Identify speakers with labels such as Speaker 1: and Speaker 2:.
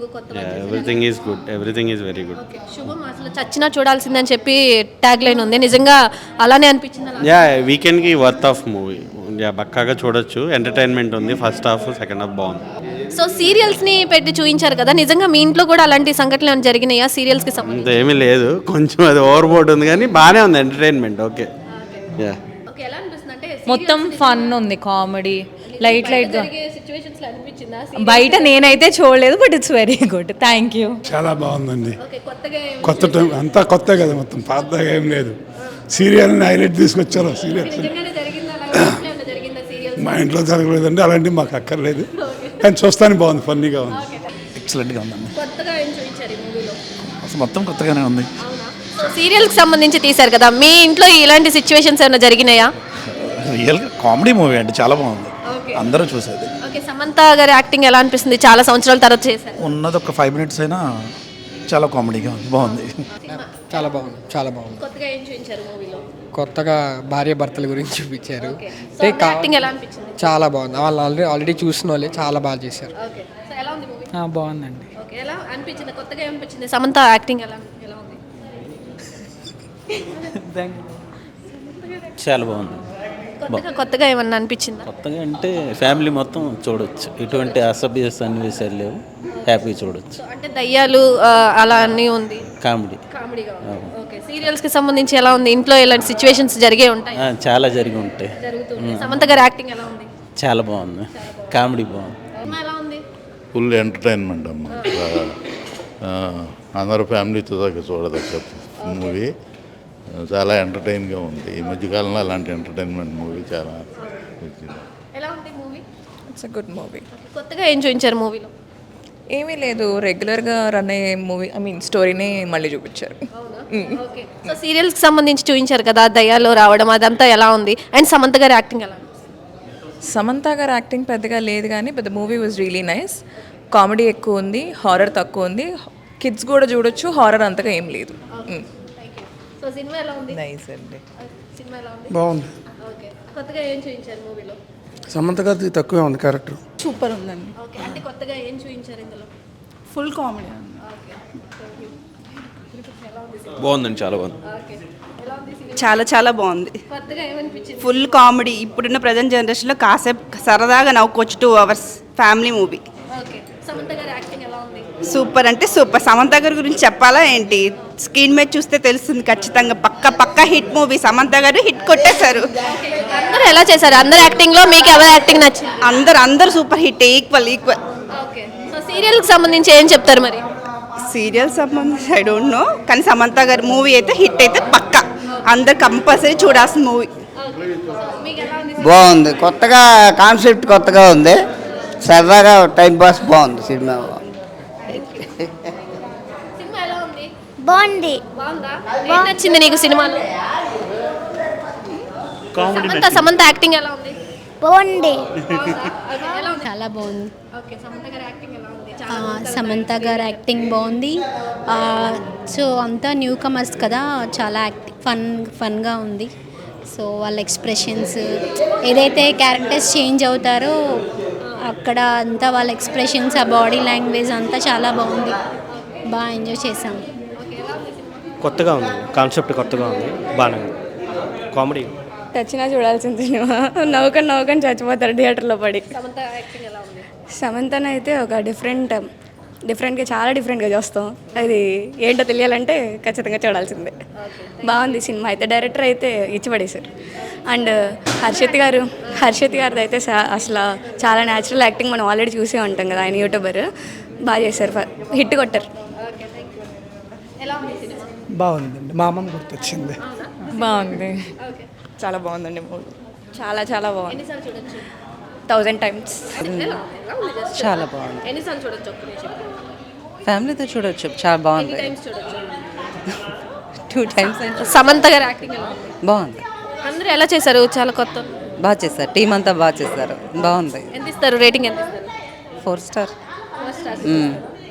Speaker 1: Everything is good, everything is very good.
Speaker 2: శుభం అసలు చచ్చినా చూడాల్సిందని చెప్పి ట్యాగ్ లైన్ ఉంది, నిజంగా అలానే అనిపించింది?
Speaker 1: యా, వీకెండ్కి వర్త్ ఆఫ్ మూవీ. యా, పక్కాగా చూడొచ్చు. ఎంటర్టైన్మెంట్ ఉంది. ఫస్ట్ హాఫ్, సెకండ్ హాఫ్ బాగుంది.
Speaker 2: సో సీరియల్స్ని పెట్టి చూపించారు కదా, నిజంగా మీ ఇంట్లో కూడా అలాంటి సంఘటనలు ఏమైనా జరిగినాయా సీరియల్స్కి సంబంధించి?
Speaker 1: అంత ఏమీ లేదు, కొంచెం అది ఓవర్ బోర్డ్ ఉంది కానీ బాగానే ఉంది ఎంటర్టైన్మెంట్. ఓకే. యా,
Speaker 2: ఎలా అనిపిస్తుంది అంటే
Speaker 3: మొత్తం ఫన్ ఉంది, కామెడీ లైట్గా.
Speaker 2: సిచ్యువేషన్స్లో అనిపించిందా?
Speaker 3: బయట నేనైతే చూడలేదు, but it's very good. Thank you.
Speaker 4: చాలా బాగుందండి.
Speaker 2: కొత్తగా
Speaker 4: కొత్త టైం అంతా కొత్త కదా, మొత్తం పాతగా ఏం లేదు. సీరియల్ని హైలైట్ తీసుకొచ్చారు. సీరియల్స్
Speaker 2: నిజంగానే జరిగిందా? అలాగే జరిగిందా సీరియల్?
Speaker 4: మా ఇంట్లో జరగలేదండి, అలాంటివి మాకు అక్కర్లేదు. కానీ చూస్తానికి బాగుంది, ఫన్నీగా ఉంది.
Speaker 5: ఎక్సలెంట్గా ఉందండి.
Speaker 2: కొత్తగా ఏం చూపించారు ఈ మూవీలో?
Speaker 5: అసలు మొత్తం కొత్తగానే ఉంది.
Speaker 2: సో సీరియల్కి సంబంధించి తీశారు కదా, మీ ఇంట్లో ఇలాంటి సిచ్యువేషన్స్ ఏమైనా జరిగినాయా?
Speaker 5: రియల్గా కామెడీ మూవీ అండి, చాలా బాగుంది. అందరూ చూసేది.
Speaker 2: ఓకే, సమంత గారి యాక్టింగ్ ఎలా అనిపిస్తుంది? చాలా సంవత్సరాల తర్వాత చేశారు.
Speaker 5: ఉన్నది ఒక 5 minutes అయినా చాలా కామెడీగా ఉంది, బాగుంది.
Speaker 6: చాలా బాగుంది, చాలా బాగుంది.
Speaker 2: కొత్తగా ఏం చూపించారు మూవీలో?
Speaker 6: కొత్తగా భార్య భర్తల గురించి చూపించారు.
Speaker 2: యాక్టింగ్ ఎలా అనిపించింది?
Speaker 6: చాలా బాగుంది. వాళ్ళు ఆల్రెడీ చూసిన వాళ్ళే చాలా బాగా చేశారు.
Speaker 2: ఓకే, సో ఎలా ఉంది మూవీ?
Speaker 6: బాగుందండి.
Speaker 2: ఓకే, ఎలా అనిపించింది? కొత్తగా ఏమనిపించింది? సమంత యాక్టింగ్ ఎలా ఎలా ఉంది?
Speaker 7: చాలా బాగుంది.
Speaker 2: కొత్తగా ఏమన్నా అనిపించిందా?
Speaker 7: కొత్తగా అంటే ఫ్యామిలీ మొత్తం చూడొచ్చు, ఎటువంటి అసభ్య సన్నివేశాలు లేవు, హ్యాపీ చూడొచ్చు.
Speaker 2: అంటే దయ్యాలు అలా అన్నీ ఉంది, కామెడీగా ఉంది. ఓకే, సీరియల్స్కి సంబంధించి ఎలా ఉంది? ఇంట్లో ఇలాంటి సిచ్యువేషన్స్ జరిగే ఉంటాయి?
Speaker 7: చాలా జరిగి ఉంటాయి.
Speaker 2: సమంత గారి యాక్టింగ్ ఎలా ఉంది?
Speaker 7: చాలా బాగుంది, కామెడీ బాగుంది.
Speaker 2: ఎలా ఉంది?
Speaker 8: ఫుల్ ఎంటర్టైన్మెంట్ అమ్మ. అందరూ ఫ్యామిలీతో దాకా చూడదగ్గ మూవీ. చాలా ఎంటర్టైన్గా ఉంది. ఈ మధ్యకాలంలో అలాంటి ఎంటర్టైన్మెంట్ మూవీ చాలా.
Speaker 2: ఎలా ఉంది movie?
Speaker 9: It's a good movie.
Speaker 2: కొత్తగా ఏం చూపించారు మూవీలో?
Speaker 9: ఏమీ లేదు, రెగ్యులర్గా రన్ అయ్యే మూవీ, ఐ మీన్ స్టోరీనే మళ్ళీ చూపించారు.
Speaker 2: ఓకే, సో సీరియల్స్కి సంబంధించి చూపించారు కదా, దయ్యాలు రావడం అదంతా ఎలా ఉంది? అండ్ సమంత గారి యాక్టింగ్ ఎలా ఉంది?
Speaker 9: సమంత గారు యాక్టింగ్ పెద్దగా లేదు కానీ but the movie was really nice. Comedy ఎక్కువ ఉంది, హారర్ తక్కువ ఉంది. కిడ్స్ కూడా చూడొచ్చు, హారర్ అంతగా ఏం లేదు.
Speaker 2: సో సినిమా ఎలా ఉంది?
Speaker 9: నైస్ అండి.
Speaker 2: సినిమా ఎలా ఉంది?
Speaker 4: బాగుంది.
Speaker 2: ఓకే, కొత్తగా ఏం చూపించారు మూవీలో?
Speaker 4: సమంత గారిది తక్కువే ఉంది క్యారెక్టర్.
Speaker 9: సూపర్ ఉందండి.
Speaker 2: ఓకే, అంటే కొత్తగా ఏం చూపించారు ఇందులో?
Speaker 9: ఫుల్ కామెడీ ఉంది.
Speaker 1: బాగుందండి, చాలా బాగుంది.
Speaker 10: చాలా చాలా బాగుంది.
Speaker 2: కొత్తగా ఏమనిపించింది?
Speaker 10: Full comedy. ఇప్పుడున్న ప్రజెంట్ జనరేషన్లో కాసేపు సరదాగా నవ్వుకోవచ్చు. 2 hours family movie.
Speaker 2: Okay, Samantha గారి యాక్టింగ్ ఎలా ఉంది?
Speaker 10: సూపర్ అంటే సూపర్. సమంత గారి గురించి చెప్పాలా ఏంటి? స్క్రీన్ మీద చూస్తే తెలుస్తుంది ఖచ్చితంగా. పక్క హిట్ మూవీ. సమంత గారు హిట్ కొట్టేశారు.
Speaker 2: అందరూ ఎలా చేశారు? అందరు యాక్టింగ్లో మీకు ఎవరి యాక్టింగ్ నచ్చింది?
Speaker 10: అందరూ super hit. Equal.
Speaker 2: Okay, so సీరియల్కి సంబంధించి ఏం చెప్తారు మరి?
Speaker 10: సీరియల్ సంబంధించి ఐ డోంట్ నో, కానీ సమంత గారి మూవీ అయితే హిట్ అయితే పక్కా. అందరు కంపల్సరీ చూడాల్సిన మూవీ.
Speaker 11: బాగుంది. కొత్తగా కాన్సెప్ట్ కొత్తగా ఉంది, సరదాగా టైం పాస్. బాగుంది సినిమా.
Speaker 2: సినిమా ఎలా ఉంది?
Speaker 12: బాగుంది.
Speaker 2: బాగుందా? ఏం నచ్చింది నీకు సినిమాలో? సమంత యాక్టింగ్ ఎలా ఉంది?
Speaker 12: బాగుంది.
Speaker 13: చాలా బాగుంది.
Speaker 2: ఓకే, సమంత గారి యాక్టింగ్ ఎలా ఉంది?
Speaker 13: సమంత గారు యాక్టింగ్ బాగుంది. సో అంతా న్యూ కమర్స్ కదా, చాలా ఫన్గా ఉంది. సో వాళ్ళ ఎక్స్ప్రెషన్స్, ఏదైతే క్యారెక్టర్స్ చేంజ్ అవుతారో అక్కడ అంతా వాళ్ళ ఎక్స్ప్రెషన్స్, ఆ బాడీ లాంగ్వేజ్ అంతా చాలా బాగుంది. బాగా ఎంజాయ్ చేసాం.
Speaker 1: కొత్తగా ఉంది, కాన్సెప్ట్ కొత్తగా ఉంది, బాగానే ఉంది. కామెడీ.
Speaker 12: చచ్చినా చూడాల్సిన సినిమా. నవ్వుకొని చచ్చిపోతారు థియేటర్లో పడి.
Speaker 2: సమంత యాక్టింగ్ ఎలా ఉంది?
Speaker 12: సమంతనైతే ఒక డిఫరెంట్గా చాలా డిఫరెంట్గా చూస్తాం. అది ఏంటో తెలియాలంటే ఖచ్చితంగా చూడాల్సిందే. బాగుంది సినిమా అయితే. డైరెక్టర్ అయితే ఇచ్చిపడేశారు. అండ్ హర్షిత్ గారిది అయితే అసలు చాలా న్యాచురల్ యాక్టింగ్. మనం ఆల్రెడీ చూసే ఉంటాం కదా, ఆయన యూట్యూబర్. బాగా చేశారు, హిట్ కొట్టారు.
Speaker 6: బాగుందండి. మా అమ్మమ్మ గుర్తొచ్చింది.
Speaker 9: బాగుంది, చాలా బాగుందండి మూవీ. చాలా చాలా బాగుంది.
Speaker 12: 1000 times.
Speaker 3: చాలా బాగుంది.
Speaker 2: ఎన్నిసార్లు చూడొచ్చు?
Speaker 3: ఫ్యామిలీతో చూడొచ్చు, చాలా బాగుంది. 2 times.
Speaker 2: సమంత గారి యాక్టింగ్ ఎలా ఉంది?
Speaker 3: బాగుంది.
Speaker 2: అందరూ ఎలా చేశారు? చాలా కొత్త.
Speaker 3: బాగా చేశారు, టీం అంతా బాగా చేశారు, బాగుంది.
Speaker 2: ఎంత ఇస్తారు రేటింగ్? ఎంత ఇస్తారు?
Speaker 3: 4 star.
Speaker 2: 4 stars.